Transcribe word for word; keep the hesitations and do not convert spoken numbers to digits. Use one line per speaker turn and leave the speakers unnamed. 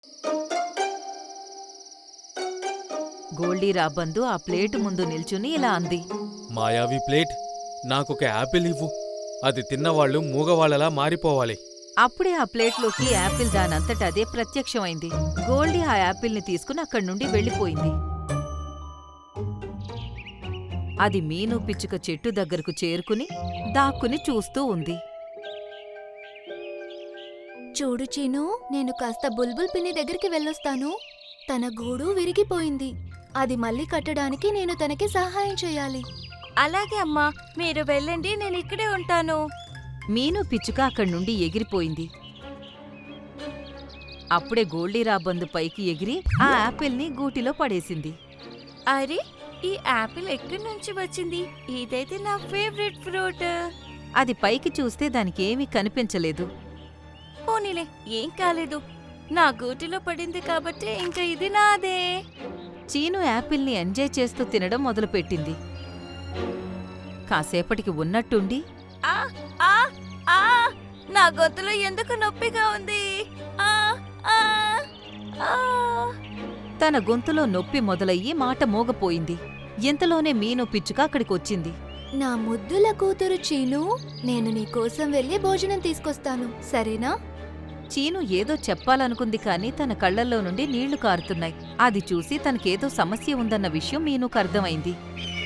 గోల్డీ రాబందు ఆ ప్లేటు ముందు నిల్చుని ఇలా అంది.
మాయావి ప్లేట్, నాకొక యాపిల్ ఇవ్వు. అది తిన్నవాళ్లు మూగవాళ్లలా మారిపోవాలి.
అప్పుడే ఆ ప్లేట్లోకి యాపిల్ దానంతట అదే ప్రత్యక్షమైంది. గోల్డీ ఆ యాపిల్ని తీసుకుని అక్కడి నుండి వెళ్ళిపోయింది. అది మీను పిచ్చుక చెట్టు దగ్గరకు చేరుకుని దాక్కుని చూస్తూ ఉంది.
చూడు చీను, నేను కాస్త బుల్బుల్ పిన్ని దగ్గరికి వెళ్ళొస్తాను. తన గూడు విరిగిపోయింది. అది మళ్ళీ కట్టడానికి నేను తనకి సహాయం చేయాలి.
అలాగే అమ్మా, మీరు వెళ్ళండి, నేను ఇక్కడే ఉంటాను.
మీను పిచ్చుక అక్కడి నుండి ఎగిరిపోయింది. అప్పుడే గోల్డీ రాబందు పైకి ఎగిరి ఆ యాపిల్ని గూటిలో పడేసింది.
అరే, ఈ యాపిల్ ఎక్కడి నుంచి వచ్చింది? ఇదైతే నా ఫేవరెట్ ఫ్రూట్.
అది పైకి చూస్తే దానికేమీ కనిపించలేదు.
పోనీలే, ఏం కాలేదు. నా గూటిలో పడింది కాబట్టి ఇంకా ఇది నాదే.
చీను యాపిల్ని ఎంజాయ్ చేస్తూ తినడం మొదలుపెట్టింది. కాసేపటికి ఉన్నట్టుండి
ఆ ఆ ఆ నా గొంతులో ఎందుకు నొప్పిగా ఉంది? ఆ ఆ ఆ
తన గొంతులో నొప్పి మొదలయ్యి మాట మోగపోయింది. ఇంతలోనే మీను పిచ్చుక అక్కడికొచ్చింది.
నా ముద్దుల కూతురు చీను, నేను నీకోసం వెళ్ళి భోజనం తీసుకొస్తాను, సరేనా?
చీను ఏదో చెప్పాలనుకుంది కాని తన కళ్లల్లో నుండి నీళ్లు కారుతున్నాయి. అది చూసి తనకేదో సమస్య ఉందన్న విషయం మీనుకు అర్థమైంది.